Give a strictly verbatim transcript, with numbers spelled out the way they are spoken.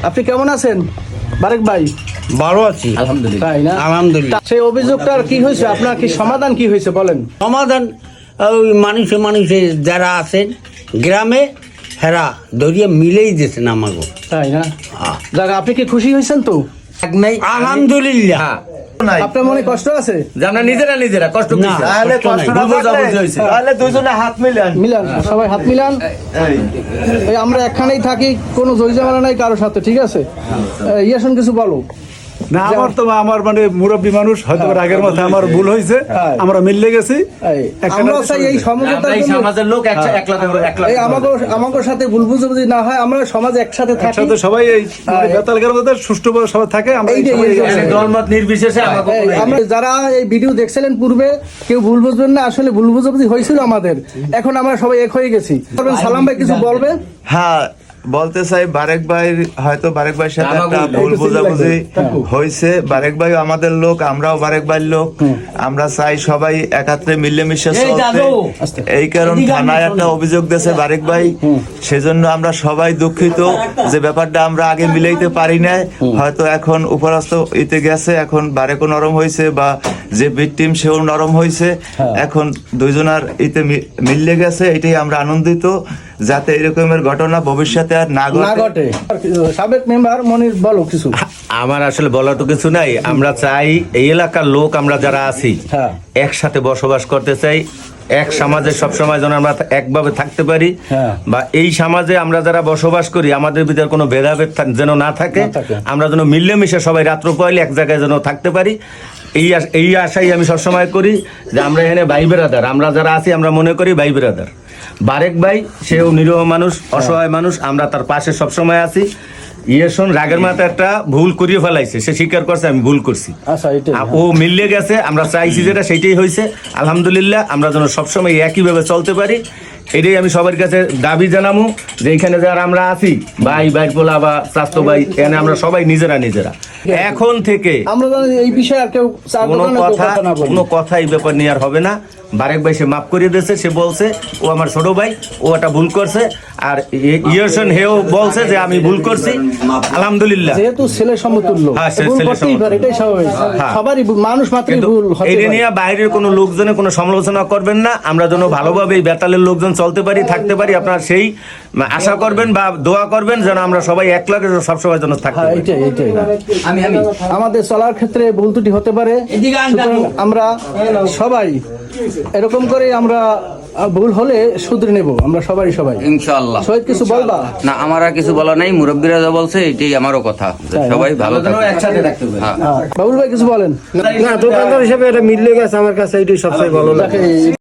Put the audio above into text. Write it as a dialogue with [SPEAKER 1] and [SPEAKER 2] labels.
[SPEAKER 1] আপনি কেমন আছেন বারেক ভাই?
[SPEAKER 2] ভালো আছি
[SPEAKER 1] আলহামদুলিল্লাহ। তাই না?
[SPEAKER 2] আলহামদুলিল্লাহ।
[SPEAKER 1] সেই অভিযোগটার কি হয়েছে, আপনার কি সমাধান কি হয়েছে বলেন?
[SPEAKER 2] সমাধান ওই মানুষে মানুষে যারা আছেন গ্রামে হেরা ধরিয়ে মিলেই দিয়েছেন আমাকে।
[SPEAKER 1] তাই না? যাক, আপনি কি খুশি হয়েছেন তো?
[SPEAKER 2] আলহামদুলিল্লাহ।
[SPEAKER 1] আপনার মনে কষ্ট আছে?
[SPEAKER 3] আমরা নিজেরা নিজেরা কষ্ট
[SPEAKER 2] না,
[SPEAKER 3] করছি।
[SPEAKER 2] তাহলে কষ্ট না
[SPEAKER 3] বুঝাবুঝি হয়েছে।
[SPEAKER 4] তাহলে দুইজনে হাত মিলান
[SPEAKER 1] মিলান, সবাই হাত মিলান। এই আমরা একখানেই থাকি, কোনো জয়জামালা নাই কারোর সাথে, ঠিক আছে? ইয়াসন কিছু বলো।
[SPEAKER 5] না, আমার তো আমার মানে মুরব্বী মানুষ, হয়তো আগের মতো আমার ভুল হয়েছে, আমরা মিললে গেছি।
[SPEAKER 1] এই, আমরাও চাই এই সমঝোতার
[SPEAKER 3] আমরা এই
[SPEAKER 1] জন্য-
[SPEAKER 3] সমাজের লোক একসা- একলা একলা
[SPEAKER 1] এই আমাকে আমাকে সাথে ভুল বুঝাবুঝি না হয়, আমরা সমাজে একসাথে থাকি।
[SPEAKER 5] একসাথে সবাই এই বেতালগার মধ্যে সুষ্ঠুভাবে সবাই থাকে। আমরা এই
[SPEAKER 1] এইটাই,
[SPEAKER 5] সবাই
[SPEAKER 1] এইটাই।
[SPEAKER 5] একসাথে।
[SPEAKER 3] দলমত নির্বিশেষে আমাকে
[SPEAKER 1] এই, আমরা যারা এই ভিডিও দেখছিলেন পূর্বে, কেউ ভুল বুঝবেন না, আসলে ভুল বুঝাবুঝি হয়েছিল আমাদের, এখন আমরা সবাই এক হয়ে গেছি। সালাম ভাই কিছু বলবে?
[SPEAKER 4] হ্যাঁ, বলতে চাই বারেক ভাই হয়তো বারেক ভাইয়ের সাথে
[SPEAKER 3] আমাকে
[SPEAKER 4] একটা
[SPEAKER 3] বলতে-
[SPEAKER 4] ভুল বোঝাবুঝি হয়েছে। বারেক ভাই আমাদের লোক, আমরাও বারেক ভাইয়ের লোক। আমরা চাই সবাই একাত্রে মিলেমিশে চলতে। এই কারণ থানায় একটা অভিযোগ দিয়েছে বারেক ভাই, সেজন্য আমরা সবাই দুঃখিত যে ব্যাপারটা আমরা আগে মিলাইতে পারি না। হয়তো এখন উপরাস্ত ইতে গেছে, এখন বারেকও নরম হয়েছে বা যে ভিকটিম সেও নরম হয়েছে, এখন দুইজনার ইতে মি- মিললে গেছে। এটাই আমরা আনন্দিত, যাতে এরকমের ঘটনা ভবিষ্যতে আর না
[SPEAKER 1] না
[SPEAKER 4] ঘটে।
[SPEAKER 1] ঘটে। সাবেক মেম্বার মনির বলো কিছু।
[SPEAKER 3] আমার আসলে বলার তো কিছু নাই। আমরা চাই এই এলাকার লোক আমরা যারা আছি
[SPEAKER 1] হ্যাঁ।
[SPEAKER 3] একসাথে বসবাস করতে চাই, এক সমাজে সবসময় যেন আমরা একভাবে থাকতে পারি,
[SPEAKER 1] হ্যাঁ।
[SPEAKER 3] বা এই সমাজে আমরা যারা বসবাস করি আমাদের ভিতরে কোনো ভেদাভেদ থাক- যেন না থাকে,
[SPEAKER 1] না থাকে।
[SPEAKER 3] আমরা যেন মিলেমিশে সবাই রাত্র পয়লে এক জায়গায় যেন থাকতে পারি। এই আশ- এই আশাই আমি সবসময় করি যে আমরা এখানে ভাই বেরাদার, আমরা যারা আছি আমরা মনে করি ভাই বেরাদার। বারেক ভাই সেও নিরীহ মানুষ, অসহায় মানুষ, আমরা তার পাশে সবসময় আছি। ইয়েশন রাগের মাথায় একটা ভুল করিয়ে ফেলাইছে, সে স্বীকার করছে আমি ভুল করছি।
[SPEAKER 1] আচ্ছা, এটাই।
[SPEAKER 3] আ- ও মিললে গেছে, আমরা চাইছি যেটা সেইটাই হয়েছে। আলহামদুলিল্লাহ, আমরা যেন সবসময় একইভাবে চলতে পারি, এটাই আমি সবার কাছে দাবি জানাবো। যে এখানে যারা আমরা আছি ভাই ভাই পোলা বা স্বাস্থ্য ভাই, এখানে আমরা সবাই নিজেরা নিজেরা এখন থেকে
[SPEAKER 1] আমরা যেন এই বিষয়ে আর কেউ চার
[SPEAKER 3] কোনো
[SPEAKER 1] দোকানে কেউ
[SPEAKER 3] কথা
[SPEAKER 1] কথা না বলি।
[SPEAKER 3] কোনো কথা এই ব্যাপার নিয়ে আর হবে না। বারেক ভাই সে মাফ করিয়ে দিয়েছে, সে বলছে ও আমার ছোট ভাই, ও একটা ভুল করছে। আর ইয়র্সন হেও বলছে যে আমি ভুল করছি। আলহামদুলিল্লাহ,
[SPEAKER 1] যেহেতু ছেলে সমতুল্য,
[SPEAKER 3] হ্যাঁ, সে
[SPEAKER 1] ভুল
[SPEAKER 3] ছেলে
[SPEAKER 1] করতেই
[SPEAKER 3] সমতুল্য।
[SPEAKER 1] পারে, এটাই স্বাভাবিক।
[SPEAKER 3] হ্যাঁ।
[SPEAKER 1] সবারই ভুল, মানুষ মাত্রই
[SPEAKER 3] কিন্তু
[SPEAKER 1] ভুল হতে
[SPEAKER 3] এটা
[SPEAKER 1] পারে।
[SPEAKER 3] নিয়ে বাইরের কোনো লোকজনে কোনো সমালোচনা করবেন না। আমরা যেন ভালোভাবে এই বেতালের লোকজন চলতে পারি, থাকতে পারি, আপনারা সেই আশা করবেন বা দোয়া করবেন যেন আমরা সবাই এক লাগে সবসময় যেন থাকতে
[SPEAKER 1] হ্যাঁ,
[SPEAKER 3] পারি।
[SPEAKER 1] এইটাই, এইটাই। আমাদের চলার ক্ষেত্রে ভুল ত্রুটি হতে পারে, সুতরাং আমরা সবাই এরকম করে আমরা আহ, ভুল হলে শুধরে নেব, আমরা সবাই সবাই।
[SPEAKER 6] ইনশাআল্লাহ।
[SPEAKER 1] শহীদ কিছু বলবা?
[SPEAKER 6] না, আমার আর কিছু বলা নাই, মুরব্বীরা যা বলছে এটাই আমারও কথা, যে
[SPEAKER 1] তাই না?
[SPEAKER 6] সবাই ভালো
[SPEAKER 3] যেন
[SPEAKER 6] থাকে।
[SPEAKER 3] একসাথে থাকতে পারি।
[SPEAKER 6] হ্যাঁ।
[SPEAKER 1] হ্যাঁ। বাবুল ভাই কিছু বলেন।
[SPEAKER 2] না, দোকানদার হিসেবে এটা মিললে গেছে আমার কাছে, এইটাই সবচেয়ে ভালো লাগে।
[SPEAKER 1] দেখে